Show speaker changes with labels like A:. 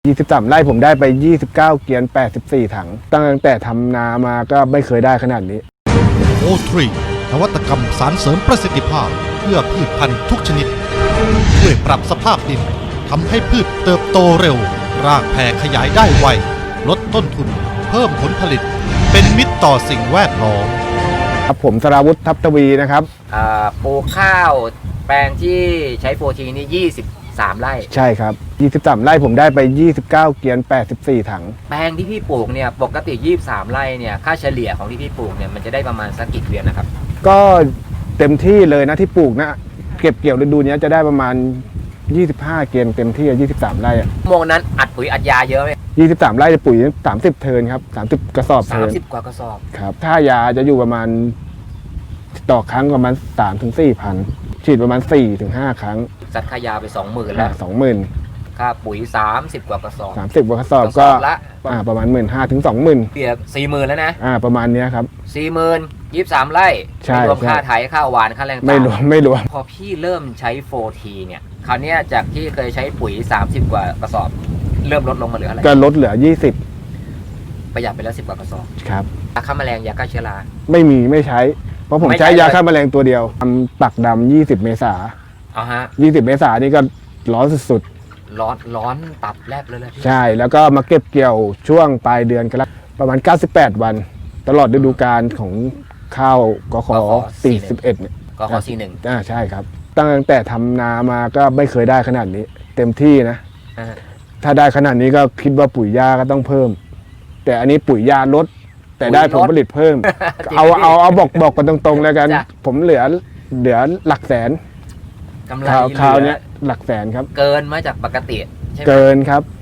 A: 23 ไร่ผมได้ไป 29 เกียน 84 ถังตั้งแต่ทำนามาก็ไม่เคยได้ขนาดนี้
B: โอทรีนวัตกรรมสารเสริมประสิทธิภาพเพื่อพืชพันธุ์ทุกชนิดช่วยปรับสภาพดินทำให้พืชเติบโตเร็วรากแผ่ขยายได้ไวลดต้นทุนเพิ่มผลผลิตเป็นมิตรต่อสิ่งแวดล้อม
A: ครับผมสราวุฒิทัพทวีนะครับ
C: ปลูกข้าวแปลงที่ใช้โฟทีนี่23 ไร่
A: ใช่ครับ 23 ไร่ผมได้ไป 29 เกียน 84 ถัง
C: แปลงที่พี่ปลูกเนี่ยปกติ23 ไร่เนี่ยค่าเฉลี่ยของที่พี่ปลูกเนี่ยมันจะได้ประมาณสักกี่เกวียนนะครับ
A: ก็เต็มที่เลยนะที่ปลูกนะเก็บเกี่ยวฤดูนี้จะได้ประมาณ25 เกียนเต็มที่23 ไร่
C: โมงนั้นอัดปุ๋ยอัดยาเยอะไหม
A: 23 ไร่จะปุ๋ย30 เทิร์นครับ30 กระสอบเทิร์น
C: 30 กว่ากระสอบ
A: ครับถ้ายาจะอยู่ประมาณต่อครั้งประมาณ 3-4 พันฉีดประมาณ 4-5 ครั้ง
C: ซัดค่ายาไป 20,000 แล้ว
A: 20,000
C: ค่าปุ๋ย30 กว่ากระสอบ
A: 30 กว่ากระสอบก็ประมาณ 15,000 ถึง 20,000
C: เปียก 40,000 แล้วนะ
A: ประมาณนี้ครับ
C: 40,000 23 ไร่ไม่รวมค่าไถค่าหวานค่าแรง
A: ไม่รวม
C: พอพี่เริ่มใช้โฟทีเนี่ยคราวนี้จากที่เคยใช้ปุ๋ย30 กว่ากระสอบเริ่มลดลงมาเหลืออะไร
A: ก็ลดเหลือ20
C: ประหยัดไปแล้ว10 กว่ากระสอบ
A: ครับ
C: ยาฆ่าแมลงยาฆ่าเชื้อรา
A: ไม่ใช้เพราะผมใช้ยาฆ่าแมลงตัวเดียวทำปักดำ20 เมษา20 เมษานี่ก็ร้อนสุด
C: ๆร้อนตับแลบเลย
A: ใช่แล้วก็มาเก็บเกี่ยวช่วงปลายเดือนกันประมาณ98 วันตลอดฤดูกาลของข้าวกข41เนี่ย
C: กข41
A: ใช่ครับตั้งแต่ทำนามาก็ไม่เคยได้ขนาดนี้เต็มที่นะถ้าได้ขนาดนี้ก็คิดว่าปุ๋ยยาก็ต้องเพิ่มแต่อันนี้ปุ๋ยยาลดแต่ได้ผลผลิตเพิ่มเอาบอกกันตรงๆแล้วกันผมเหลือหลักแสน
C: กำไร
A: คราวนี้หลักแสนครับ
C: เกินมาจากปกติ
A: เกินครับ